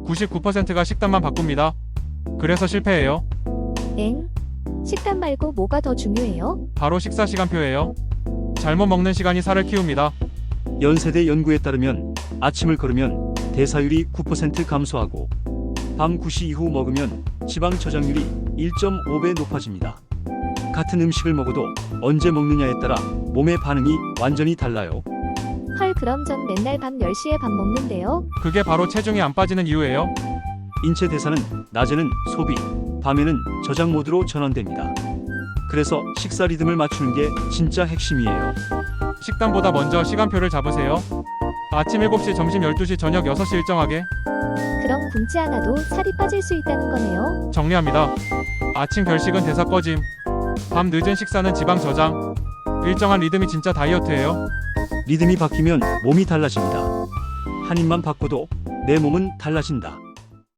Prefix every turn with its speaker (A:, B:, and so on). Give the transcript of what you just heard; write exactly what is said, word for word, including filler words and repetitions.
A: 구십구 퍼센트가 식단만 바꿉니다. 그래서 실패해요.
B: 엥? 식단 말고 뭐가 더 중요해요?
A: 바로 식사 시간표예요. 잘못 먹는 시간이 살을 키웁니다.
C: 연세대 연구에 따르면 아침을 거르면 대사율이 구 퍼센트 감소하고 밤 구 시 이후 먹으면 지방 저장률이 일 점 오 배 높아집니다. 같은 음식을 먹어도 언제 먹느냐에 따라 몸의 반응이 완전히 달라요.
B: 헐, 그럼 전 맨날 밤 열 시에 밥 먹는데요?
A: 그게 바로 체중이 안 빠지는 이유예요.
C: 인체 대사는 낮에는 소비, 밤에는 저장 모드로 전환됩니다. 그래서 식사 리듬을 맞추는 게 진짜 핵심이에요.
A: 식단보다 먼저 시간표를 잡으세요. 아침 일곱 시, 점심 열두 시, 저녁 여섯 시 일정하게.
B: 그럼 굶지 않아도 살이 빠질 수 있다는 거네요?
A: 정리합니다. 아침 결식은 대사 꺼짐. 밤 늦은 식사는 지방 저장. 일정한 리듬이 진짜 다이어트예요.
C: 리듬이 바뀌면 몸이 달라집니다. 한 입만 바꿔도 내 몸은 달라진다.